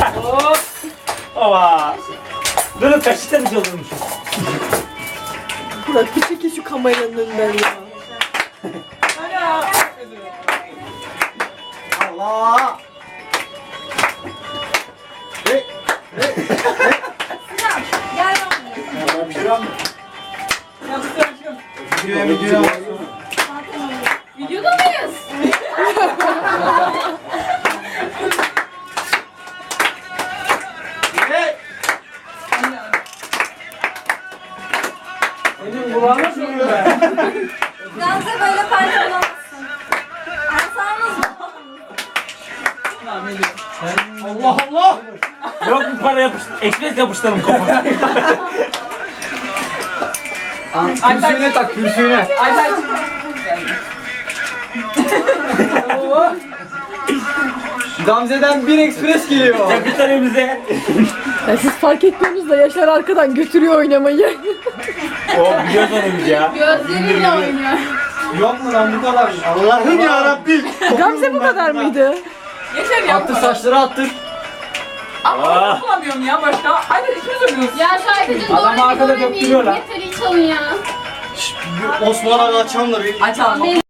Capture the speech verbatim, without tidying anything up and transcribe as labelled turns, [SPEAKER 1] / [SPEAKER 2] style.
[SPEAKER 1] Ova. Böyle kaçta bir çalıyormuşuz.
[SPEAKER 2] Burak bir çekil şu kameranın önünden ya.
[SPEAKER 3] Allah. Hey.
[SPEAKER 4] Gel lan.
[SPEAKER 3] Bir şey var mı? Videoya videoya.
[SPEAKER 4] Videoda mıyız?
[SPEAKER 3] Hey.
[SPEAKER 1] Senin kulağına sürüyor be.
[SPEAKER 4] Gamze böyle parça bulamazsın. Arsamız mı?
[SPEAKER 3] Allah Allah.
[SPEAKER 1] Yok bir para yapıştır. Ekmek yapıştıralım kafana.
[SPEAKER 3] Kürsüğüne tak kürsüğüne. Gamze'den bir ekspres geliyor.
[SPEAKER 1] Ya bir tane bize.
[SPEAKER 2] Ya siz fark etmiyorsunuz da Yaşar arkadan götürüyor oynamayı.
[SPEAKER 1] O biliyoruz onu biz ya.
[SPEAKER 4] Gözleriyle oynuyor.
[SPEAKER 3] Yok mu lan bu kadar? Allah'ım ya Rabbim.
[SPEAKER 2] Gamze bu kadar mıydı?
[SPEAKER 5] Yeter ya.
[SPEAKER 3] Attır saçları attır.
[SPEAKER 5] Ama ben bulamıyorum ya başka. Hadi ikimiz oynuyoruz.
[SPEAKER 4] Ya şarkıcı
[SPEAKER 1] Adam
[SPEAKER 4] doğru
[SPEAKER 1] arkada
[SPEAKER 4] bir doğru
[SPEAKER 1] döktürüyor lan.
[SPEAKER 4] Yeter hiç alın ya.
[SPEAKER 3] Osman Aga açalım da bir.
[SPEAKER 5] Açalım.